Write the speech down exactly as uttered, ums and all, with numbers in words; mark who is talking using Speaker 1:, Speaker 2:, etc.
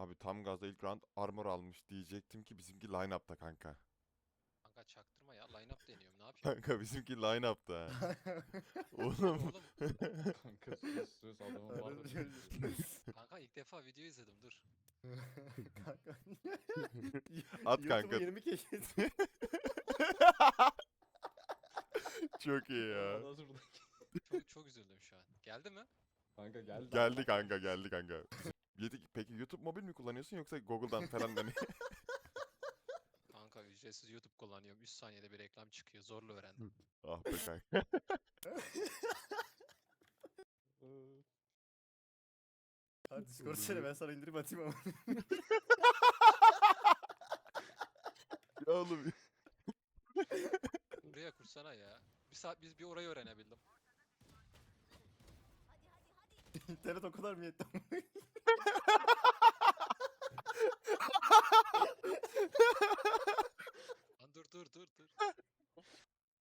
Speaker 1: Abi tam gazda ilk round armor almış diyecektim ki bizimki line-up'ta kanka.
Speaker 2: Kanka çaktırma ya. Line-up deniyorum. Ne yapayım?
Speaker 1: Kanka bizimki line-up'ta.
Speaker 2: Harbi
Speaker 1: Oğlum.
Speaker 2: oğlum.
Speaker 3: Kanka sus sus adamın var
Speaker 4: Arada
Speaker 3: da
Speaker 4: şöyle-
Speaker 2: Kanka ilk defa video izledim. Dur.
Speaker 4: Kanka.
Speaker 1: At kanka.
Speaker 4: YouTube'u yeni mi keşfettin?
Speaker 1: Çok iyi ya.
Speaker 3: Aa, nasıl burada?
Speaker 2: Çok çok üzüldüm şu an. Geldi mi?
Speaker 3: Kanka geldi.
Speaker 1: Geldi
Speaker 3: Allah
Speaker 1: kanka
Speaker 3: kahretsin.
Speaker 1: geldi kanka. Yedi- Peki YouTube mobil mi kullanıyorsun yoksa Google'dan falan hani?
Speaker 2: Kanka ücretsiz YouTube kullanıyorum. üç saniyede bir reklam çıkıyor. Zorla öğrendim.
Speaker 1: Ah be kanka.
Speaker 3: Ee,
Speaker 4: Hadi Discord söyle ben sana indirip atayım ama.
Speaker 1: Ya oğlum.
Speaker 2: Buraya kursana ya. Bir saat biz bir orayı öğrenebildim.
Speaker 4: İnternet o kadar mı yetti ama?
Speaker 2: Lan dur dur dur dur.